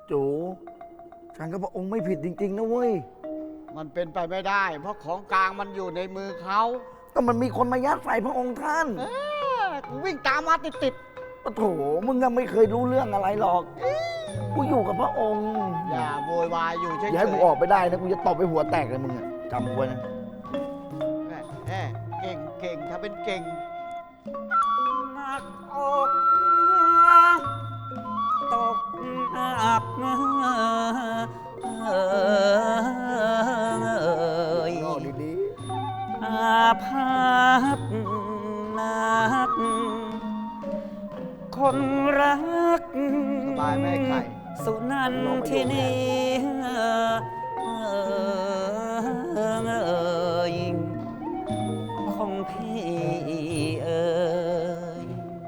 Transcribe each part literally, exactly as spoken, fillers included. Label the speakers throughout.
Speaker 1: จูฉันกับพระองค์ไม่ผิดจริงๆนะเว้ย
Speaker 2: มันเป็นไปไม่ได้ เพราะของกลางมันอยู่ในมือเขา
Speaker 1: ก็มันมีคนมายัดใส่พระองค์ท่าน
Speaker 2: เออกูวิ่งตามมาติดติด
Speaker 1: โอ้โถมึงยังไม่เคยรู้เรื่องอะไรหรอก กูอยู่กับพระองค์
Speaker 2: ๆอย่าโวยวายอยู่เฉยๆ
Speaker 1: อย่าให้กูออกไปได้นะ กูจะตบไปหัวแตกเลยมึงอะจำไว้นะ
Speaker 2: แหม่แหม่เก่งเก่งถ้าเป็นเก่ง
Speaker 3: หนักอกตกอับเอ่ย
Speaker 1: ย่อดี
Speaker 3: อาภัพนัก คนรัก
Speaker 2: สบายไหมไข่
Speaker 3: สุนันทินีเอ่ยของพี่เอ่ย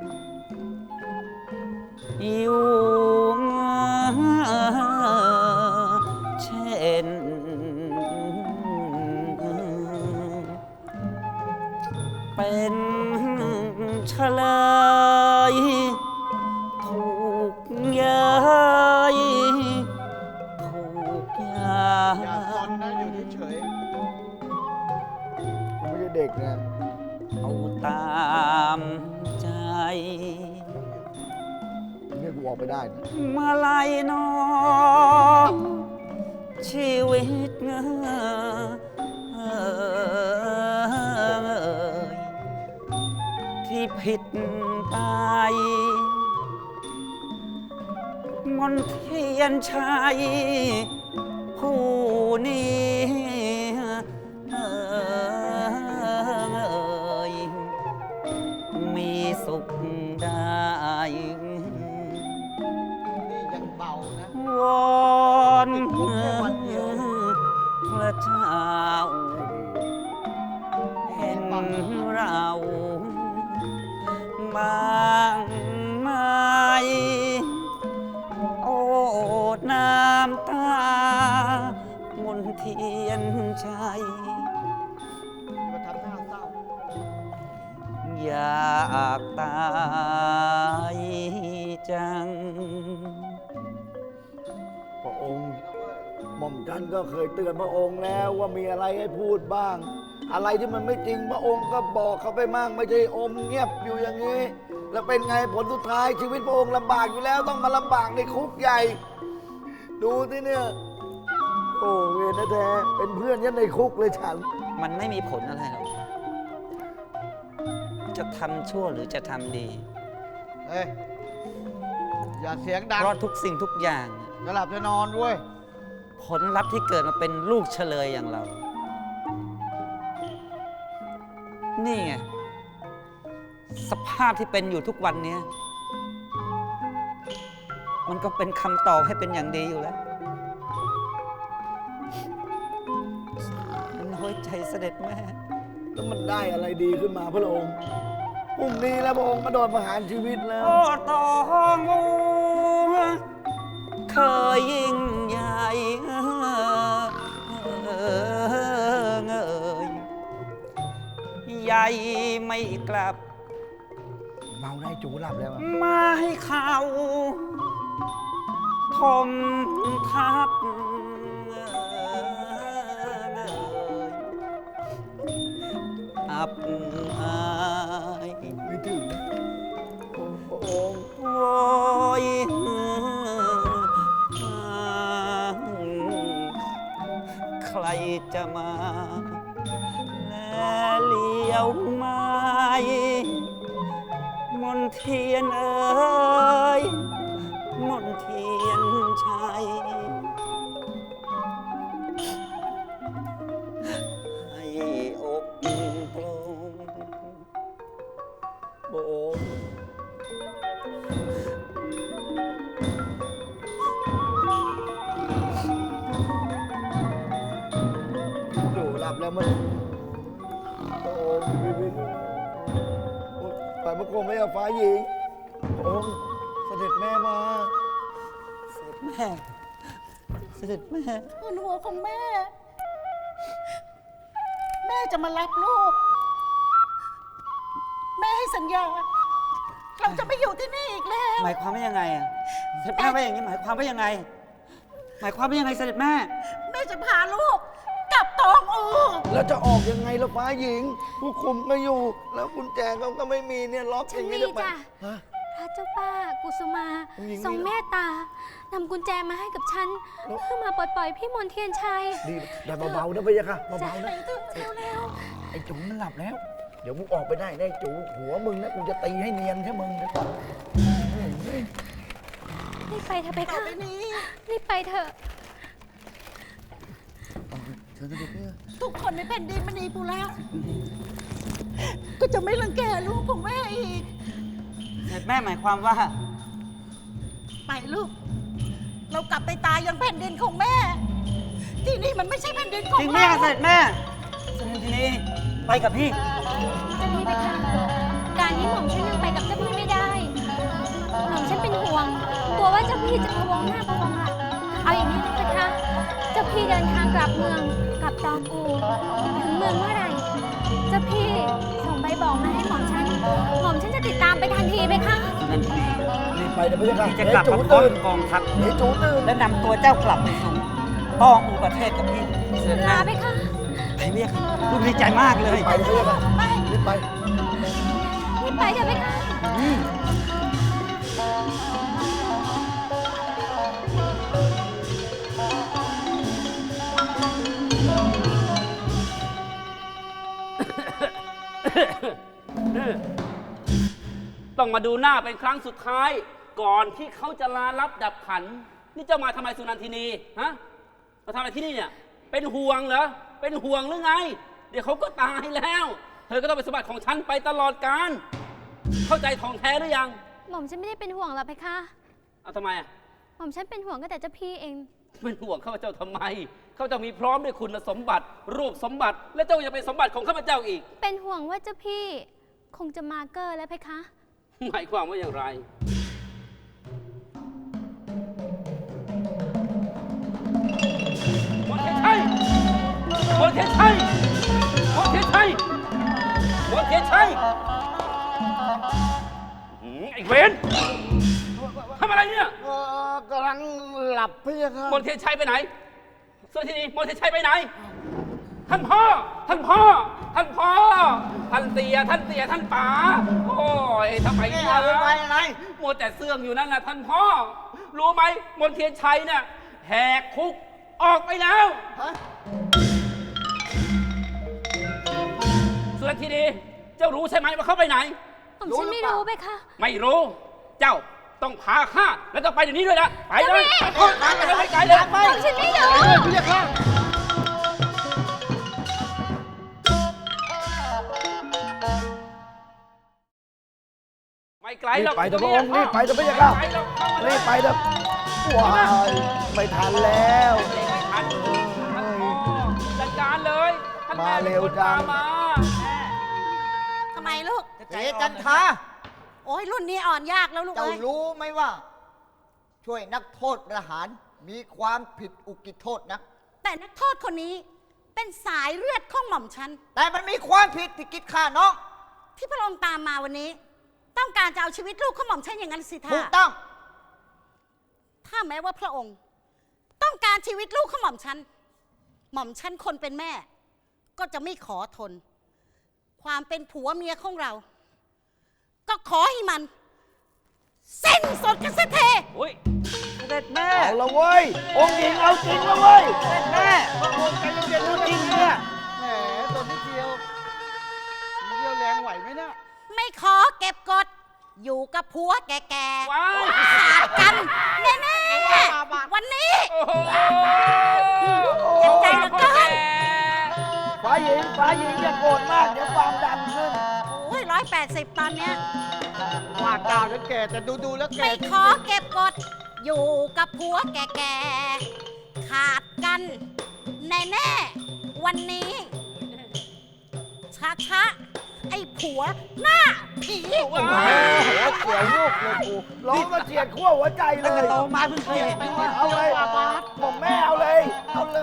Speaker 3: อยู่เช่นเป็นเฉลยถูกย้ายถูกย้า
Speaker 2: อย่าซนนะอยู่เฉย
Speaker 1: ๆกูไม่ใช่เด็กนะ
Speaker 3: เอาตามใจ
Speaker 1: เนี่ยกูออกไปได้นะ
Speaker 3: มาลายน้องชีวิตเงยที่ผิดไปมนเทียนชัยผู้นี้เอ่ยมีสุขได้
Speaker 2: ๆนี่ยังเบานะ
Speaker 3: วอน
Speaker 2: ติดคุกแค่วันเดียว
Speaker 3: พระเจ้า เห็นเราบางไหมโอ้น้ำตามนเทียนชัย
Speaker 2: มาทำหน้าเศร้า
Speaker 3: อยากตายจัง
Speaker 1: พระองค์หม่อมฉันก็เคยเตือนพระองค์แล้วว่ามีอะไรให้พูดบ้าง อะไรที่มันไม่จริงพระองค์ก็บอกเขาไปมั่งไม่ใช่อมเงียบอยู่อย่างนี้ แล้วเป็นไงผลสุดท้ายชีวิตพระองค์ลำบากอยู่แล้วต้องมาลำบากในคุกใหญ่ ดูที่เนี่ย โอ้เวรแท้ๆเป็นเพื่อนยันในคุกเลยฉัน
Speaker 3: มันไม่มีผลอะไรหรอก จะทำชั่วหรือจะทำดี
Speaker 2: เฮ้ย อย่าเสียงดัง
Speaker 3: เพราะทุกสิ่งทุกอย่าง
Speaker 2: จะหลับจะนอนด้วย
Speaker 3: ผลลัพธ์ที่เกิดมาเป็นลูกเฉลยอย่างเรา นี่ไง สภาพที่เป็นอยู่ทุกวันเนี้ยมันก็เป็นคำตอบให้เป็นอย่างดีอยู่แล้วน้อยใจเสด็จแม่
Speaker 1: แล้วมันได้อะไรดีขึ้นมาพระองค์พรุ่งนี้แล้วพระองค์ก็โดนประหารชีวิตแล้ว
Speaker 3: โอ้ตองอูเคยยิ่งใหญ่เอยใหญ่ไม่กลับ
Speaker 1: เมาได้จูหลับแล้วอะ
Speaker 3: มาให้เขาทมทับอับอาย
Speaker 1: ไม่ถึงพระองค์
Speaker 3: โอยใครจะมาแลเลี้ยวไม้มนเทียนเอ๋ยมนเทียนชัยให้อกโปร่ง
Speaker 1: พระองค์จูหลับแล้วมันพระองค์ไม่เป็นฝ่ายพระโคมไม่เอาฟ้าหญิงพระองค์เสด็จแม่มา
Speaker 3: เสด็จแม่ เสด็จแม่
Speaker 4: คุณหัวของแม่ แม่จะมารับลูก แม่ให้สัญญา เราจะไม่อยู่ที่นี่อีกแล้ว
Speaker 3: หมายความว่ายังไงอ่ะเสด็จแม่ว่าอย่างนี้หมายความว่ายังไงหมายความว่ายังไงเสด็จแม่
Speaker 4: แม่จะพาลูกกลับตองอู
Speaker 1: แล้วจะออกยังไงล่ะฟ้าหญิง ผู้คุมก็อยู่ แล้วกุญแจเขาก็ไม่มีเนี่ยล็อก
Speaker 5: ฉั
Speaker 1: อน ย่างนี้
Speaker 5: มี
Speaker 1: จะไป
Speaker 5: จ้ะ
Speaker 1: ฮะ
Speaker 5: พระเจ้าป้ากุสุมา
Speaker 1: ผู้หญิง
Speaker 5: ทรง
Speaker 1: มี
Speaker 5: เมตตานำกุญแจมาให้กับฉัน
Speaker 1: แล้ว
Speaker 5: เพื่อมาปลดปล่อยพี่มนเทียนชัย
Speaker 1: ดีแต่เบาๆนะพี่ยะค่ะ
Speaker 5: จะ
Speaker 1: เบาๆ
Speaker 5: ไป
Speaker 1: นะ
Speaker 5: ถึงเร็ว
Speaker 1: ไอ้จูมันหลับแล้ว เดี๋ยวมึงออกไปได้ได้จูหัวมึงนะกูจะตีให้เนียนแค่มึงเดี๋ยวก่อน
Speaker 5: ๆรีบไปเถอะไป
Speaker 4: ต่อ
Speaker 5: ค่ะ
Speaker 4: ไปนี้
Speaker 5: รีบไปเถอะ
Speaker 1: เชิญเสด็จพี่
Speaker 4: ทุกคนในแผ่นดินมณีปูแล้ว ก็จะไม่รังแกลูกของแม่อีก
Speaker 3: เสด็จแม่หมายความว่า
Speaker 4: ไปลูก เรากลับไปตายยังแผ่นดินของแม่ ที่นี่มันไม่ใช่แผ่นดินของ
Speaker 3: จริงไหม
Speaker 4: เรา
Speaker 3: คะเสด็จแม่เสด็จทีนี้ไปกับพี่
Speaker 5: เจ้าพี่ไปค่ะ การที่หม่อมฉันยังไปกับเจ้าพี่ไม่ได้ หม่อมฉันเป็นห่วง กลัวว่าเจ้าพี่จะพะวงหน้าพะวงหลังเอาอย่างนี้นะคะ เจ้าพี่เดินทางกลับเมืองกลับตองอู ถึงเมืองเมื่อไหร่ เจ้าพี่ส่งใบบอกมาให้หม่อมฉัน หม่อมฉันจะติดตามไปทันทีไหมคะ
Speaker 3: นั่นทีนี้
Speaker 1: รีบไปนะพี่ยะค่ะ
Speaker 3: พี่จะกลับ
Speaker 1: เดี๋ยว
Speaker 3: มา
Speaker 1: จู
Speaker 3: พร้อม
Speaker 1: ตื่น
Speaker 3: กับกองทัพ
Speaker 1: เดี๋ยวจูตื่น
Speaker 3: และนำตัวเจ้ากลับไปสู่ต้องอูประเทศกับพี่เสด็จ
Speaker 5: ลา
Speaker 3: แม่
Speaker 5: ไปค่ะ
Speaker 3: ไปเรียกลูกดีใจมากเลย
Speaker 1: ไปนะพี่ยะค่ะรีบไป
Speaker 5: รีบไปเถอะไปค่ะ
Speaker 6: ต้องมาดูหน้าเป็นครั้งสุดท้าย ก่อนที่เขาจะลาลับดับขัน นี่เจ้ามาทำไมสุนันทินีฮะมาทำอะไรที่นี่เนี่ย เป็นห่วงเหรอเป็นห่วงหรือไง เดี๋ยวเขาก็ตายแล้ว เธอก็ต้องเป็นสมบัติของฉันไปตลอดกาลเข้าใจทองแท้หรือยัง
Speaker 5: หม่อมฉันไม่ได้เป็นห่วงหรอกเพคะ
Speaker 6: เอาทำไมอ่ะ
Speaker 5: หม่อมฉันเป็นห่วงก็แต่เจ้าพี่เอง
Speaker 6: เป็นห่วงข้าพเจ้าทำไมข้าพเจ้ามีพร้อมด้วยคุณสมบัติ รูปสมบัติ และเจ้ายังเป็นสมบัติของข้าพเจ้าอีก
Speaker 5: เป็นห่วงว่าเจ้าพี่ คงจะมาเกอร์แล้วเพคะ
Speaker 6: หมายความว่าอย่างไรมนเทียนชัยมนเทียนชัยมนเทียนชัยมนเทียนชัยหืมไอ้เวนทำอะไรเนี่ย
Speaker 2: เออกำลังหลับพี่ยะค่ะ
Speaker 6: มนเทียนชัยไปไหนส่วนที่นี่มนเทียนชัยไปไหน ท่านพ่อ ท่านพ่อ ท่านพ่อ ท่านเตีย ท่านเตีย ท่านป๋า โอ้ยทำไม
Speaker 2: นี่
Speaker 6: เนี่ย
Speaker 2: เอาไปไว้อะไร
Speaker 6: มัวแต่เสื่องอยู่นั่นนะท่านพ่อ รู้ไหมมนเทียนชัยเนี่ยแหกคุกออกไปแล้ว
Speaker 2: ฮะ
Speaker 6: ส่วนทีนี้เจ้ารู้ใช่ไหมว่าเขาไปไหน
Speaker 5: หม่อมฉันไม่รู้เพคะ
Speaker 6: ไม่รู้ เจ้าต้องพาข้าแล้วต้องไปเดี๋ยวนี้ด้วยนะ ไปเลย
Speaker 5: เจ้าแม่
Speaker 6: เออไปเลยไปไกลเลย
Speaker 2: ไป
Speaker 5: หม่อมฉันไม่รู้
Speaker 2: พี่ยะค่ะ
Speaker 6: ไม่ไกล
Speaker 1: รี
Speaker 6: หร
Speaker 1: บอก ไปเถอะพระ
Speaker 6: นี่
Speaker 1: องค์รีบไปเถอะพี่ยะค่ะ
Speaker 6: ไม่ไกลหรอกเข้ามาเลย
Speaker 1: รีบไปเถอะว้ายไม่ทันแล้ว
Speaker 6: ไม่ทันท่านพ่อจัดการเลยท่านแม่
Speaker 1: มาเร็ว
Speaker 6: ป็นคน
Speaker 1: จัง
Speaker 6: พามา
Speaker 4: ทำไมลูก
Speaker 2: เจ๊จันทา
Speaker 4: โอ้ยรุ่นนี้อ่อนยากแล้วลูก
Speaker 2: เจ้า
Speaker 4: เอ้ย
Speaker 2: รู้ไหมว่า ช่วยนักโทษประหารมีความผิดอุกิโทษนะ
Speaker 4: แต่นักโทษคนนี้เป็นสายเลือดของหม่อมฉัน
Speaker 2: แต่มันมีความผิดที่กิดฆ่าน้อง
Speaker 4: ที่พระองค์ตามมาวันนี้ ต้องการจะเอาชีวิตลูกของหม่อมฉันอย่างนั้นสิท่า
Speaker 2: ถูกต้อง
Speaker 4: ถ้าแม้ว่าพระองค์ ต้องการชีวิตลูกของหม่อมฉัน หม่อมฉันคนเป็นแม่ ก็จะไม่ขอทน ความเป็นผัวเมียของเรา ก็ขอให้มันสิ้นสุดกันเสียที
Speaker 6: อุ้ย
Speaker 3: เสด็จแม่
Speaker 1: เอาละเว้ย องค์หญิงเอาจริงแล้วเว้ย
Speaker 3: เสด็จแม่
Speaker 2: ใจเย็นๆ
Speaker 3: จริงเนี่ย
Speaker 2: แหมตัวนิดเดียวนิดเดียวแรงไหวไหมเนี่ย
Speaker 4: ไม่ขอเก็บกด อยู่กับผัวแก่
Speaker 6: ว้าย
Speaker 4: ๆขาดกันแน่ๆวันนี้
Speaker 6: โอ้โห
Speaker 4: เจ็บใจเหลือเกิน
Speaker 1: ฟ้าหญิงฟ้าหญิงอย่าโกรธมากเดี๋ยวความดันขึ้น
Speaker 4: โอ้ยร้อยแปดสิบตอนเนี้ย
Speaker 2: ว่าเก่าแล้วแก่แต่ดูดูๆแล้วแก่
Speaker 4: ไม่ขอเก็บกด อยู่กับผัวแก่ๆขาดกันแน่ๆวันนี้ช้าๆไอ้ผัวหน้าผี
Speaker 6: ว้า
Speaker 1: โอ้
Speaker 6: ย
Speaker 1: โหเสียวลูกเลยกูร้องมาเฉียดขั้วหัวใจเล
Speaker 3: ตั้งแต่
Speaker 1: ย
Speaker 3: โตมาเพิ่งเคยเห็น
Speaker 1: เอาเลยผมแม่เอาเลย เอาเลย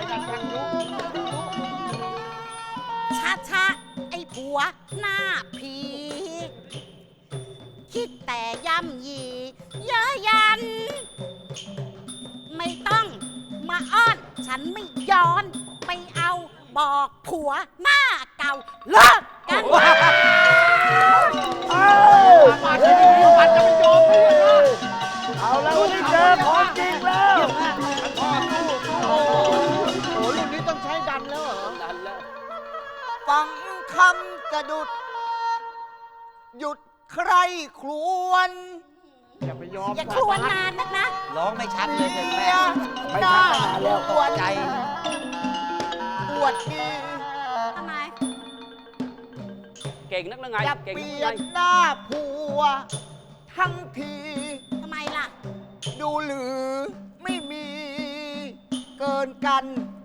Speaker 4: ช้าๆไอ้ผัวหน้าผี คิดแต่ย่ำยีเย้ยยัน ไม่ต้องนไม่ย้อนไปเอาบอกผัวหน้าเก่าเลิกกัน
Speaker 1: เอ้าเอาแล้ววันนี้เจอของจริงแล้ว
Speaker 2: โอ้โหรุ่นนี้ต้องใช้ดันแล้วเหรอ
Speaker 6: ดันแล้ว
Speaker 2: ฟังคำจะดุด หยุดใครครวน อย่าไปยอม
Speaker 4: อย่าครวญนานนักนะ
Speaker 3: ร้องไม่ชัดเลยเสร็จแม่
Speaker 1: ไม่ทันนานแล้ว
Speaker 2: ปวดใจปวดดี
Speaker 4: ทำไม
Speaker 6: เก่งนักละไง
Speaker 2: จะ
Speaker 6: เก่ง
Speaker 2: เป
Speaker 6: นัก
Speaker 2: ลี่
Speaker 6: ละ
Speaker 2: ย
Speaker 6: ไง
Speaker 2: นหน้าผัว ทั้งที
Speaker 4: ทำไมล่ะ
Speaker 2: ดูหรือไม่มีเกินกัน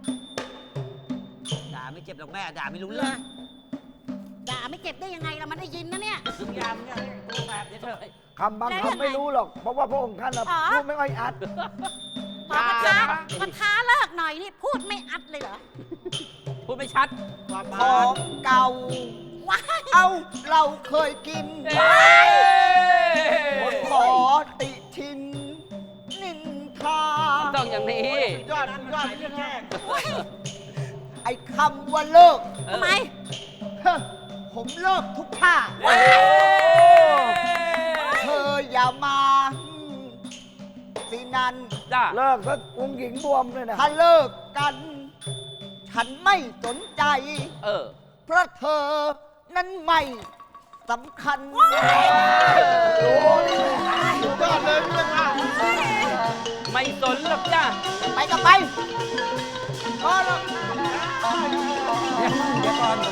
Speaker 3: ด่าไม่เจ็บหรอกแม่ ด่าไม่รู้
Speaker 4: เล
Speaker 3: เรื่อง
Speaker 4: ยด่าไม่เก็บได้ยังไงเรามันได้ยินนะเนี่ย
Speaker 3: ทุกอยางเนี่ยตัวแบบเดี๋ยวเถอะ
Speaker 1: คำบางคำไม่รู้หรอก เพราะว่าพระองค์ท่านน่ะ
Speaker 4: อ๋อ
Speaker 1: พูดไม่ค่อยอัด
Speaker 4: พอประท้าประท้าเลิกหน่อยนี่พูดไม่อัดเลยเหรอ
Speaker 6: พูดไม่ชัด
Speaker 2: ของเก่า
Speaker 4: ว้าย
Speaker 2: เอาเราเคยกิน
Speaker 6: เอ้ย
Speaker 2: ขอติชิน นินทา
Speaker 6: ต้องอย่างนี้
Speaker 2: ยอดยอดแค่ไอ้คำว่าเลิก
Speaker 4: ทำไม
Speaker 2: เฮ้อผมเลิกทุกท่า
Speaker 6: โอ้โห
Speaker 2: เธออย่ามาสินัน
Speaker 6: จ้า
Speaker 1: เลิกซะองค์หญิงบวมเลยนะ
Speaker 2: ถ้าเลิกกัน ฉันไม่สนใจ
Speaker 6: เออ
Speaker 2: เพราะเธอนั้นไม่สำคัญ
Speaker 1: โอ้ย
Speaker 2: ยอดเลยเรื่องอ่ะ
Speaker 6: ไม่สนหรอกจ้า
Speaker 2: ไปก็ไปก็แล้ว
Speaker 3: เดี๋ยวก่อน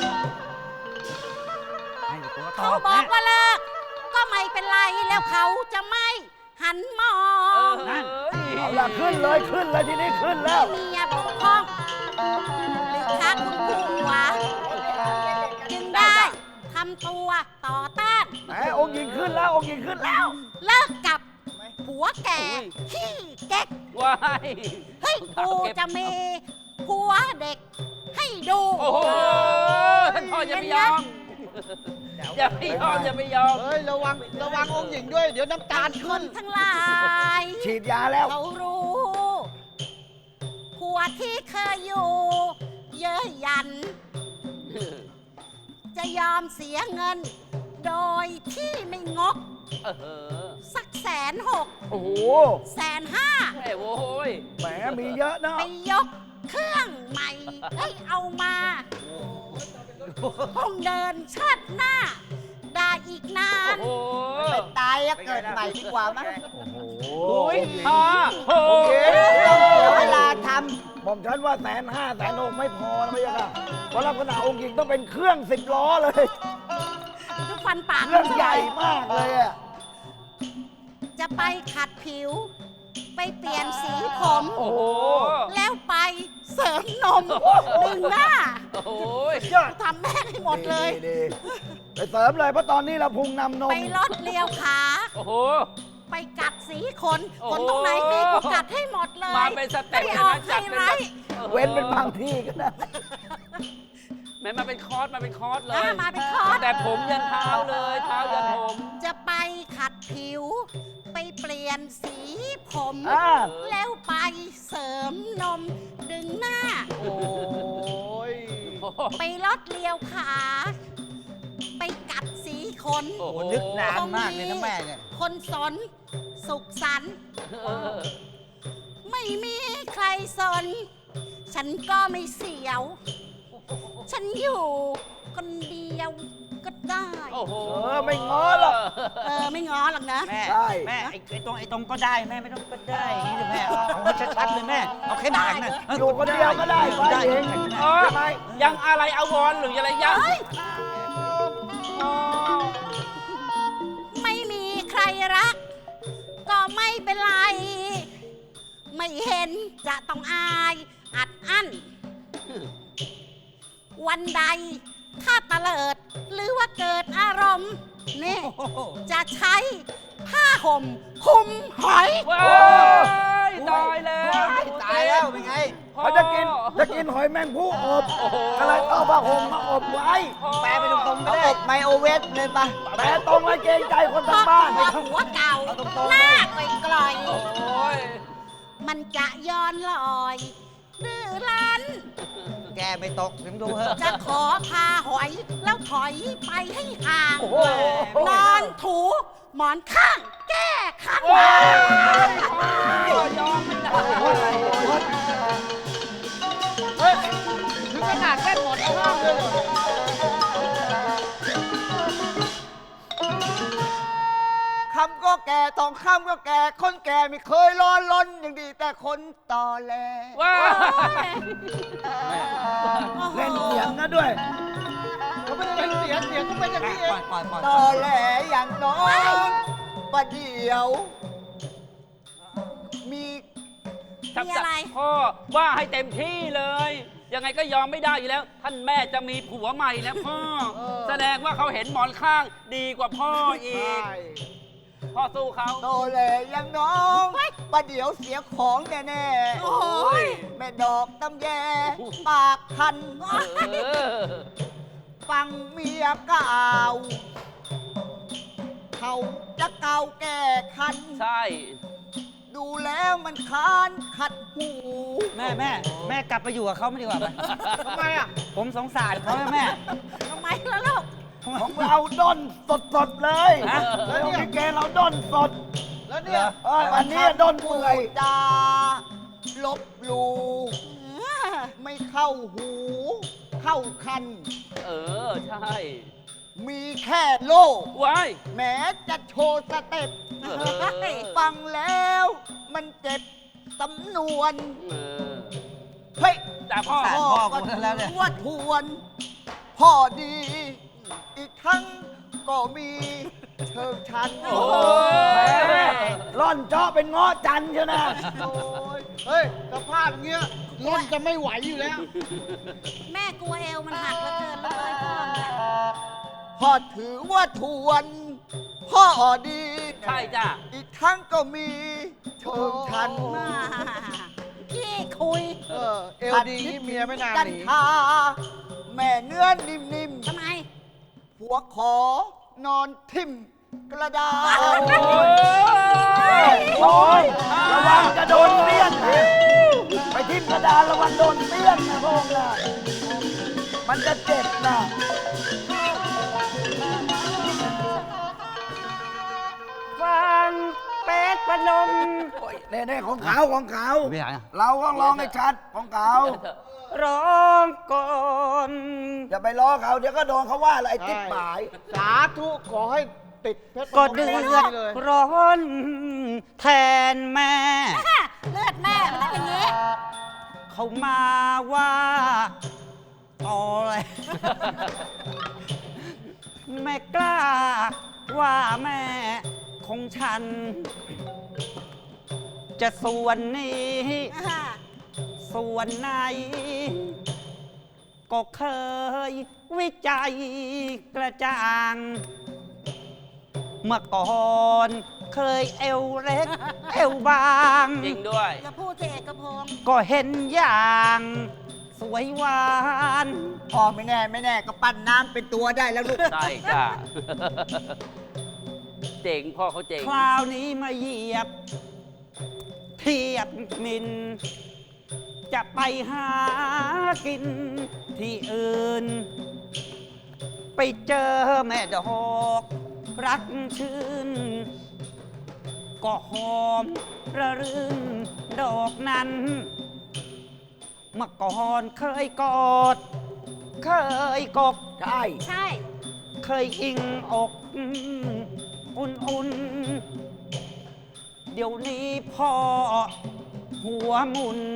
Speaker 3: ให้ตัวต
Speaker 4: เขา
Speaker 3: อบ
Speaker 4: บอก
Speaker 3: แม่
Speaker 4: ว่าเลิก ก็ไม่เป็นไรแล้วเขาจะไม่หันมอ
Speaker 6: เอง อ
Speaker 1: เอาละขึ้นเลยขึ้นเลยทีนี้ขึ้นแล้ว
Speaker 4: เมียบกพร่องหรือค้าคุณผัวจึงได้ทำตัวต่อต้าน
Speaker 1: แหมองค์หญิงขึ้นแล้วองค์หญิงขึ้นแล้ว
Speaker 4: เลิกกับผัวแก่ขี้เก๊ก
Speaker 6: ว้าย
Speaker 4: เฮ้ยกูจะมีผัวเด็กให้ดู
Speaker 6: โอ้โหท่านพ่ออย่าไปยอม อย่าไปยอมอย่าไปยอม
Speaker 2: เฮ้ย ระวัง ระวังองค์หญิงด้วย เดี๋ยวน้ำตาล
Speaker 4: ค
Speaker 2: ขึ้
Speaker 4: น
Speaker 2: น
Speaker 4: ทั้งหลาย
Speaker 1: ฉีดยาแล้ว
Speaker 4: เขารู้ผัวที่เคยอยู่ เยอะยัน จะยอมเสียเงิน โดยที่ไม่งก
Speaker 6: เออ
Speaker 4: สักแสนหก
Speaker 1: โอ้โห
Speaker 4: แสนห้า
Speaker 6: แม่โว้ย
Speaker 1: แหมมีเยอะนะ
Speaker 4: ไปยกเครื่องใหม่ให้เอามาคงเดินชาติหน้า ได้อีกนาน
Speaker 6: โอ้โห
Speaker 2: ไปตายอะเกิดใหม่ดีกว่ามั้ง
Speaker 1: โอ้โห
Speaker 6: โอ้ยฮ่าโอ้
Speaker 1: โอเค
Speaker 2: ต้องเสียเวลาท
Speaker 1: หม่อมฉันว่าแสนห้าแสนหกไม่พอนะพี่ยะค่ะเพราะลักษณะองค์หญิงต้องเป็นเครื่องสิบล้อเลย
Speaker 4: ทุกฟันปาก
Speaker 1: เครื่องใหญ่มากเลยอะ
Speaker 4: จะไปขัดผิว ไปเปลี่ยนสีผม
Speaker 6: โอ้โห
Speaker 4: แล้วไปเสริมนมดึงหน้า
Speaker 6: โอ้ย
Speaker 1: ยอด
Speaker 4: ทำแม่งให้หมดเลย
Speaker 1: ดีๆไปเสริมเลยเพราะตอนนี้เราพุงนำนม
Speaker 4: ไปลดเลียวขา
Speaker 6: โอ้โห
Speaker 4: ไปกัดสีขน
Speaker 6: โอ้
Speaker 4: ขนตรงไหนมีกูกัดให้หมดเลย
Speaker 6: มาเป็นสเต็ป
Speaker 4: ให้
Speaker 6: เลย
Speaker 4: ออ
Speaker 6: นะ
Speaker 4: ก
Speaker 6: จั
Speaker 4: ให้
Speaker 6: ดเป็น
Speaker 4: ไร
Speaker 6: แบบ
Speaker 1: เว้นเป็นบางที่ก็ได้
Speaker 6: แม่มาเป็นคอร์สมาเป็นคอร์สเลย
Speaker 4: อ่ะมาเป็นคอร์ส
Speaker 6: แต่ผมยันเท้าเลย เท้ายันผม
Speaker 4: จะไปขัดผิว ไปเปลี่ยนสีผม
Speaker 1: อ่า
Speaker 4: แล้วไปเสริมนมดึงหน้า
Speaker 2: ำ โอ้ย
Speaker 6: โอ้โห
Speaker 4: ไปลดเลียวขา ไปกัดสีขน
Speaker 6: โอ้โห
Speaker 3: โอ้นึกนานมากเลยนะแม่เนี่ย
Speaker 4: คนสน สุขสันต์
Speaker 6: เออ
Speaker 4: ไม่มีใครสน ฉันก็ไม่เสียว ฉันอยู่คนเดียวก็ได้
Speaker 6: โอ้โห
Speaker 1: เออไม่ง้อหรอก
Speaker 4: เออ ไม่ง้อหรอกนะ
Speaker 3: แม่
Speaker 1: ใช่
Speaker 3: แม่ไอ้ไอ้ตรงไอ้ตรงก็ได้แม่ไม่ต้องก็ได้อย่างนี้เลยแม่เอาให้ชัดๆเลยแม่ เอาแค่ด่างนะ
Speaker 1: อยู่คนเดียวก็ได้ฝ่ายหญิง
Speaker 6: เออ
Speaker 1: ใช่ไหม
Speaker 6: ยังอะไรอาวรณ์หรืออะไรยัง
Speaker 4: ไม่มีใครรัก ก็ไม่เป็นไร ไม่เห็นจะต้องอายอัดอั้น วันใด ถ้าตะเลิด หรือว่าเกิดอารมณ์นี่
Speaker 3: โอ้โห
Speaker 4: จะใช้ผ้าห่มคลุมหอย
Speaker 6: ว้ายตายแล้ว
Speaker 2: ตายแล้วเป็นไง
Speaker 1: เขาจะกินจะกินหอยแมงผู้อบ
Speaker 6: โอ้โห
Speaker 1: อะไรเอาผ้าห่มมาอบไว้
Speaker 2: แปลไปตรงๆก็ได้อบไมโอเวฟเลยปะ
Speaker 1: แต่ตรงไว้เกรงใจคน
Speaker 4: เพ
Speaker 1: ทาง
Speaker 4: ราะ
Speaker 1: บ้าน
Speaker 4: ตัวหัวเก่าหน้าไกล
Speaker 6: โอ้ย
Speaker 4: ๆมันจะย้อนลอยดื้อรั้น
Speaker 3: แกไม่ตกถึงดูเถอะ
Speaker 4: จะขอพาหอย แล้วถอยไปให้ห่าง
Speaker 1: โอ้โห
Speaker 4: นอนถูหมอนข้าง แก้คัน
Speaker 6: ยอมไม่ได้
Speaker 2: เฮ้ย ถึงขนาดแค่หมดข้างเลยเหรอคำก็แก่ตองคำก็แก่ คนแก่ไม่เคยร้อนล้นอย่างดี แต่คนต่อแล
Speaker 6: ว้า
Speaker 1: เล่นเสียงนะด้วย
Speaker 2: เขาไม่ได้เป็นเสียงเสียงก็เป็นอย่างนี้เอ
Speaker 3: ปล่อง ยปล่อยปล่อย
Speaker 2: ต่อแหลอย่างน้องประเดี๋ยว มี
Speaker 6: ชัก
Speaker 4: มี
Speaker 6: จะ
Speaker 4: อะไร
Speaker 6: พ่อว่าให้เต็มที่เลย ยังไงก็ยอมไม่ได้อยู่แล้ว ท่านแม่จะมีผัวใหม่แล้วพ่อ แสดงว่าเขาเห็นหมอนข้างดีกว่าพ่ออีก พ่อสู้เขา
Speaker 2: โตแหลอย่างน้องประเดี๋ยวเสียของแน่
Speaker 4: โอ้ย
Speaker 2: ๆแม่ดอกตำแย ปากคัน
Speaker 6: เออ
Speaker 2: ฟังเมียกล่าวเขาจะเกาแก้คัน
Speaker 6: ใช่
Speaker 2: ดูแล้วมันค้านขัดหู
Speaker 3: แม่แม่แม่กลับไปอยู่กับเขาไม่ดีกว่าไหม
Speaker 2: ทำไมอ่ะ
Speaker 3: ผมสงสารเขาแม่
Speaker 4: ทำไมล่ะลูก
Speaker 1: ของเราด้นสดๆเลย
Speaker 3: ฮะ
Speaker 1: แล้วนี่แกเราด้นสด
Speaker 2: แล้วเนี่ย
Speaker 1: เอออันนี้ด้นเปื่อย
Speaker 2: จาลบหลูไม่เข้าหู เข้าคัน
Speaker 6: เออ ใช่
Speaker 2: มีแค่โลก
Speaker 6: ว้าย
Speaker 2: แม้จะโชว์สเต็ป
Speaker 6: เออ
Speaker 2: ฟังแล้วมันเจ็บสำนวน
Speaker 6: เออ
Speaker 2: เฮ้ย
Speaker 6: แต่พ่อ
Speaker 3: สงสาร
Speaker 2: พ่อ
Speaker 3: พ่อ
Speaker 2: ก็
Speaker 3: กูแล้วเนี่ย
Speaker 2: ทวดทวน พ่อดี อีกทั้งก็มีเชิงชัน
Speaker 6: โอ้ย
Speaker 1: ร่อนเจาะเป็นเงาะจันทร์ใช่ไหม
Speaker 2: โอ้ยเฮ้ยสภาพเงี้ยร่นจะไม่ไหวอยู่แล้ว
Speaker 4: แม่กลัวเอวมันหักเหลือเกินเลยพ่อเนี่ย
Speaker 2: พ่อถือว่าทวน พ่อดี
Speaker 6: ใช่จ้ะ
Speaker 2: อีกทั้งก็มีเชิงชัน
Speaker 4: มาพี่คุย
Speaker 2: เออเอลดีเมียไม่นานกันทาแม่เนื้อนิ่ม
Speaker 4: ทำไม
Speaker 2: ๆผัวขอนอนทิ่มกระดาษ
Speaker 6: โอ้ย
Speaker 1: โอ้ยระวังจะโดนเปี้ยนนะไปทิ่มกระดานระวังโดนเปี้ยนนะพวกน่ะมันจะเจ็บนะ
Speaker 3: ฟังเป็ดประนม
Speaker 1: โอ้ยแน่ๆของเขาของเขา
Speaker 3: ไม่อยากอะ
Speaker 1: เราก็ร้องให้ชัดของเขา
Speaker 3: ร้องก่อน
Speaker 1: อย่าไปล้อเขาเดี๋ยวก็โดนเขาว่าอะไรติ๊บหมาย
Speaker 2: สาธุขอให้ติดเพชร
Speaker 3: ก็เดือด
Speaker 2: เลย
Speaker 3: ร้อนแทนแม่
Speaker 4: เลือดแม่มันต้องอย่างนี้
Speaker 3: เขามาว่าต่อเลย ไม่กล้าว่าแม่ของฉัน จะส่วนนี้ ส่วนไหน ก็เคยวิจัยกระจ่าง เมื่อก่อนเคยเอวเล็ก เอวบาง
Speaker 6: จริงด้วย
Speaker 4: อย่าพูดเถอะเอกพงศ์
Speaker 3: ก็เห็นอย่าง สวยหวาน
Speaker 2: พ่อไม่แน่ไม่แน่ก็ปั้นน้ำเป็นตัวได้แล้วลูก
Speaker 6: ใช่จ้ะ เจ๋งพ่อเขาเจ๋ง
Speaker 3: คราวนี้มาเหยียบ เทียบมิน จะไปหากินที่อื่น ไปเจอแม่ดอกรักชื่น ก็หอมระรื่นดอกนั้น เมื่อก่อนเคยกอด เคยกก
Speaker 1: ใช่
Speaker 4: ใช่
Speaker 3: เคยอิงอกอุ่นๆ เดี๋ยวนี้พ่อหัวหมุน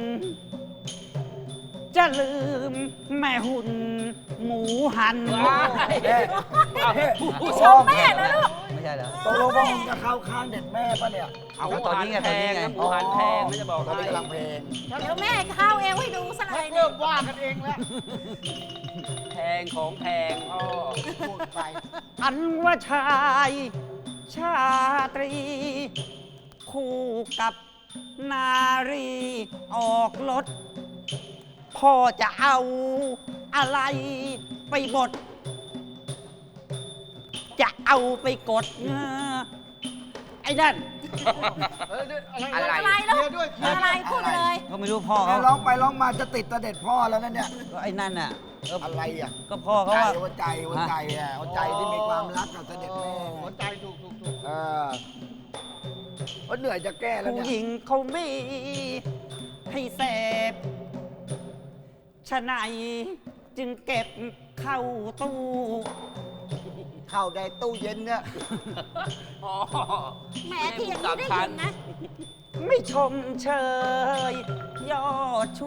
Speaker 3: จะลืมแม่หุ่น หมูหัน
Speaker 6: ว้าย
Speaker 1: แม่
Speaker 4: ชมแม่นะลูก
Speaker 3: ไม่ใช่แล้ว
Speaker 1: ตกลงว่ามึงจะเข้าข้างเด็กแม่ปะเนี่ย
Speaker 6: เอา
Speaker 3: ก็ตอนนี้ไง
Speaker 6: แพ
Speaker 3: ตอนนี้
Speaker 6: ง
Speaker 3: ไง
Speaker 6: นะหมูหันแพงไม่จะบอก
Speaker 1: ตอน
Speaker 6: ให้
Speaker 1: นี้กำลังเพลง
Speaker 4: เดี๋ยวแม่เข้าเอวให้ดูสักหน่อยหนึ่
Speaker 2: เริ่
Speaker 4: ง
Speaker 2: มว่ากันเองแล้ว
Speaker 6: แพงของแพงพ่อ
Speaker 2: พูดไป
Speaker 3: อันว่าชาย ชาตรี คู่กับนารีออกรถ พ่อจะเอาอะไรไปบด จะเอาไปกดเงอไอ้นั่น
Speaker 2: อะไร
Speaker 4: อะไรลูกอะไรพูดมาเลย
Speaker 3: ก็ไม่รู้พ่อ
Speaker 1: เอา
Speaker 3: เขา
Speaker 1: ร้องไปร้องมาจะติดเสด็จพ่อแล้วนั่นเนี่ย
Speaker 3: ก็ไอ้นั่นน่ะเออ
Speaker 1: อะไรอ่ะ
Speaker 3: ก็พ่อเขา
Speaker 1: ใจ
Speaker 3: ว่า
Speaker 1: หัวใจหัวใจอ่ะหัวใจที่มีความรักกับเสด็จแม่หัวใจถูกถูกถูกเออว่าเหนื่อยจะแก้แล้ว
Speaker 3: ผู้
Speaker 1: เนี่ย
Speaker 3: หญิงเขาไม่ให้เสพฉะไหนจึงเก็บเข้าตู้
Speaker 2: เข้าได้ตู้เย็นเนี่ย
Speaker 6: อ๋อ
Speaker 4: แหมที่อย่างนี้ได้ยินนะ
Speaker 3: ไม่ชมเชยยอดชู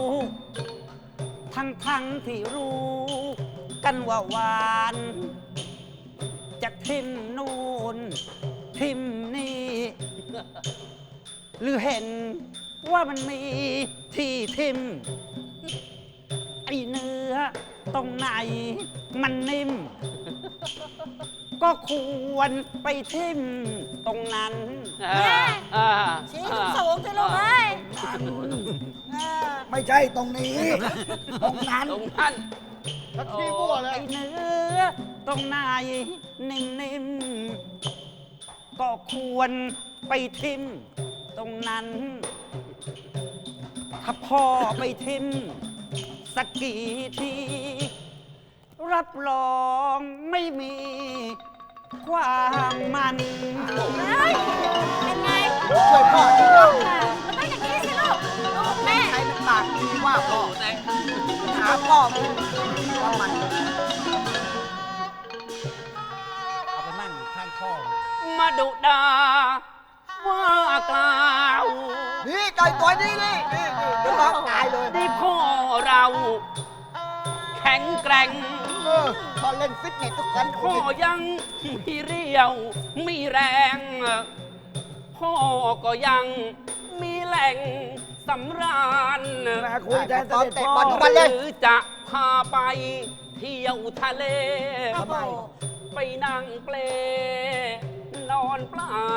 Speaker 3: ทั้งทั้งๆที่รู้ กันว่าหวาน จะทิมนูนทิมนี่ หรือเห็นว่ามันมีที่ทิม ไอเนื้อตรงไหนมันนิ่ม ก็ควรไปทิมตรงนั้น
Speaker 6: อ่าอ่า
Speaker 4: ชี้สูงๆสิลูกเอ้ยเออ
Speaker 1: ไม่ใช่ตรงนี้ ตรงนั้น
Speaker 6: ตรงนั้น
Speaker 1: ที่มั่วเลย
Speaker 3: ไอเนื้อตรงไหนนิ่มๆ ก็ควรไปทิมตรงนั้น ถ้าพ่อไปทิมสักกี่ที รับรองไม่มีความมัน
Speaker 4: เฮ้ยเป็นไง
Speaker 2: ช่วยพ่อดีนะ
Speaker 4: มันต้องอย่างนี้สิลูกลูกแม่
Speaker 2: ใครมันปากดีว่าพ่อ
Speaker 6: แต่
Speaker 2: หาพ่อมึงว่ามัน
Speaker 3: เอาไปมั่งข้างพ่อ
Speaker 6: มาดุดาว่ากล่าว
Speaker 2: นี่ไก่ตัวนี้นี่นี่นี่เดี๋ยวน้องตายเลย
Speaker 6: ที่พ่อเรา แข็งแกร่ง
Speaker 2: เออพอเล่นฟิตเนสทุกคน
Speaker 6: พ่อยังมีเรี่ยว มีแรง พ่อก็ยังมีแหล่งสำราญ
Speaker 1: มาคุยแทนเสด็จพ่อ
Speaker 2: ทุกวันเลย
Speaker 6: หรือจะพาไปเที่ยวทะเล
Speaker 4: โอ้โห
Speaker 6: ไปนั่งเปล นอนเปล่า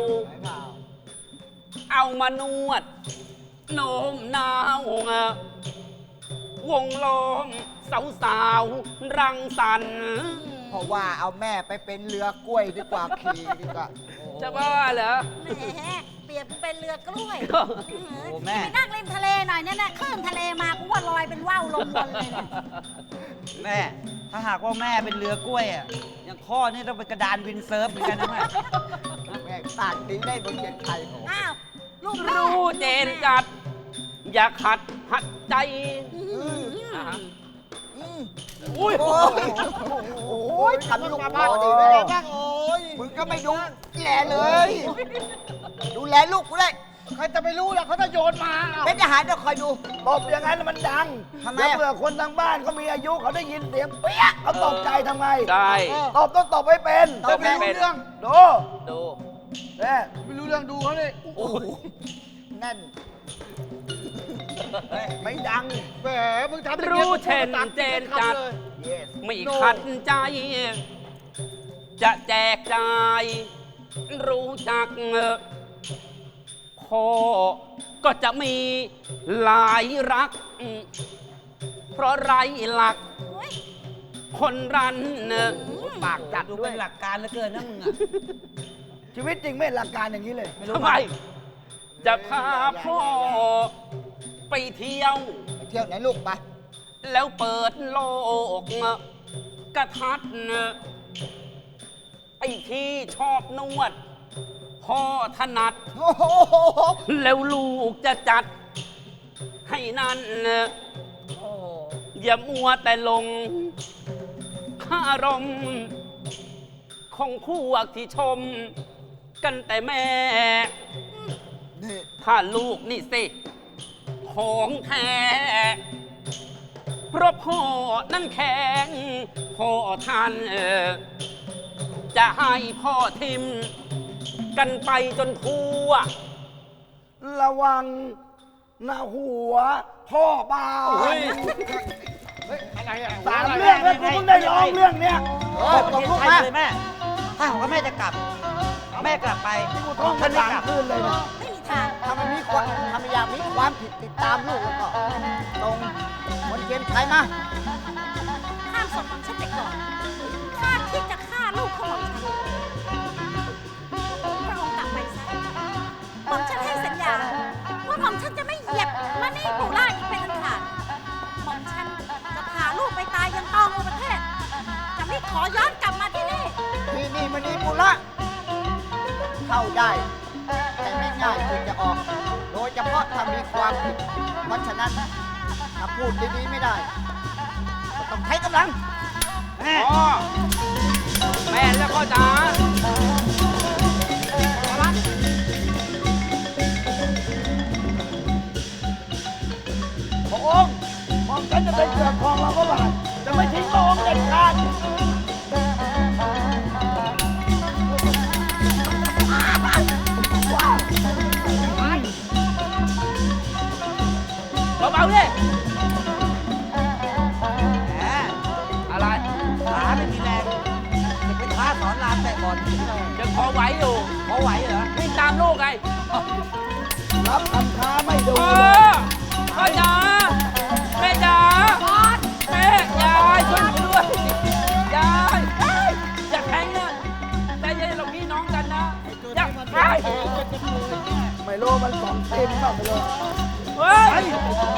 Speaker 6: เอามานวด โน้มน้าว วงล้อมสาวสาวๆรังสรรค์
Speaker 2: เพราะว่าเอาแม่ไปเป็นเรือกล้วยดีกว่าขี่ดีกว่า
Speaker 6: จะบ้าเหรอ
Speaker 4: แหมเปรียบกูเป็นเรือกล้วย
Speaker 6: โอ้
Speaker 3: โอ้แม่
Speaker 4: ไปนั่งริมทะเลหน่อยเนี่ยนะคลื่นทะเลมากูว่าลอยเป็นว่าวลงวนเลยเนี่ย
Speaker 3: แม่ ถ้าหากว่าแม่เป็นเรือกล้วยอ่ะอย่างพ่อนี่ต้องเป็นกระดานวินเซิร์ฟเหมือนกันนะแม่
Speaker 2: แม่ปากดีได้บนเย็นไทยของ
Speaker 4: อ้าวลูกแม่
Speaker 6: รู้เจนจัด อย่าขัดหัดใจ
Speaker 4: อื้อหือ
Speaker 6: อ่าฮะ
Speaker 2: อุ้ยโอ้ยโอ้ยทำลูกพ่อดีไม่ได้บ้างโอ้ยมึงก็ไม่ดูแลเลย ดูแลลูกกูเลยใครจะไปรู้ล่ะเขาจะโยนมาเป็นทหารจะคอยดู
Speaker 1: ตบอย่างนั้นมันดัง
Speaker 2: ทำไม
Speaker 1: แล้ว
Speaker 2: อะ
Speaker 1: เผื่อคนทางบ้านเขามีอายุเขาได้ยินเสียงเปี้ยะเขาตกใจทำไง
Speaker 6: ได้
Speaker 1: ตบต้องตบให้เป็น
Speaker 6: ตบให้เป็น
Speaker 1: ดู
Speaker 6: ดู
Speaker 1: แม่
Speaker 2: ไม่รู้เรื่องดูเขาเลยโอ้โหแน่น
Speaker 1: ไม่ดัง
Speaker 2: แหมมึงทำ
Speaker 6: รู้เช่นเจนจัด
Speaker 1: yes
Speaker 6: ไม่ขัดใจ จะแจกจ่าย รู้จักพ่อก็จะมีหลายรัก เพราะไรหลัก
Speaker 4: โอ้ย
Speaker 6: คนรัน
Speaker 1: ปากจัด
Speaker 3: ดู
Speaker 1: ด้ว
Speaker 3: เป็
Speaker 1: ย
Speaker 3: นหลักการเหลือเกินนะมึงอ่ะ
Speaker 1: ชีวิตจริงไม่หลักการอย่างนี้เลย
Speaker 6: ทำไม จะพาพ่อไปเที่ยว
Speaker 2: ไปเที่ยวไหนลูกไป
Speaker 6: แล้วเปิดโลกกระทัดไอ้ที่ชอบนวด พ่อถนัด
Speaker 2: โอ้โห
Speaker 6: แล้วลูกจะจัด ให้นั่น
Speaker 2: โอ้โห
Speaker 6: อย่ามัวแต่ลงข้ารมณ์ของพวกที่ชม กันแต่แม่
Speaker 2: นี่
Speaker 6: ถ้าลูกนี่สิ ของแท้ เพราะพ่อนั่นแข็งพ่อท่านเออจะให้พ่อทิม กันไปจนทั่ว
Speaker 1: ระวังหน้าหัว พ่อบา
Speaker 6: เฮ้ย
Speaker 2: อะไรอ่ะ
Speaker 1: สามเรื่องแล้วกูเพิ่งได้ร้องเรื่องเนี้ย
Speaker 2: เออตกลูก
Speaker 3: ใช่
Speaker 2: มา
Speaker 3: เลยแม่ ถ้าหากว่าแม่จะกลับ แม่กลับไป
Speaker 1: กูท่อง
Speaker 3: ฉั
Speaker 1: มาน
Speaker 3: ไม่
Speaker 1: สาม
Speaker 3: กลับ
Speaker 1: คืนเลยนะ
Speaker 4: ไม่มีทาง
Speaker 2: ถ้ามันมีความถ้ามันอยากมีความผิดติดตามลูกแล้วก็ตรงบนเกณฑ์ไทยมา
Speaker 4: ข้ามศพของฉันไปก่อน ถ้าคิดจะฆ่าลูกของฉันพระองค์ให้ผู้ล่าอีกเป็นอันขาดหม่อมฉันจะพาลูกไปตายยังตองอุประเทศ จะไม่ขอย้อนกลับมาที่นี่
Speaker 2: ที่นี่มันนี่ปุระเข้าได้ แต่ไม่ง่ายที่จะออก โดยเฉพาะถ้ามีความผิด เพราะฉะนั้นถ้าพูดดีๆไม่ได้ ก็ต้องใช้กำลัง
Speaker 6: พ่อแม่แล้วพ่อจ๋า
Speaker 1: พระองค์หม่อมฉันจะไปเกือกครองเราก็บาทจะไม่ทิ้งพระองค์เด็ดขาด
Speaker 6: เบาๆดิ
Speaker 3: แหม
Speaker 6: อะไร
Speaker 3: ขาไม่มีแรงจะเป็นท้าสอนรามแต่บอล
Speaker 6: ยังพอไหวอยู่
Speaker 3: พอไหวเหรอ
Speaker 6: วิ่งตามลูกไง
Speaker 1: รับคำท้าไม่ดู
Speaker 6: พ่อพ่อจ๋าแม่จ๋าแม่ยายช่วยหนูด้วยยายอย่าแทงนะใจเย็นเราพี่น้องกันนะอย่าไป
Speaker 1: ไม่รู้มันสองเต็มบ้างไม่รู้
Speaker 6: เฮ้ย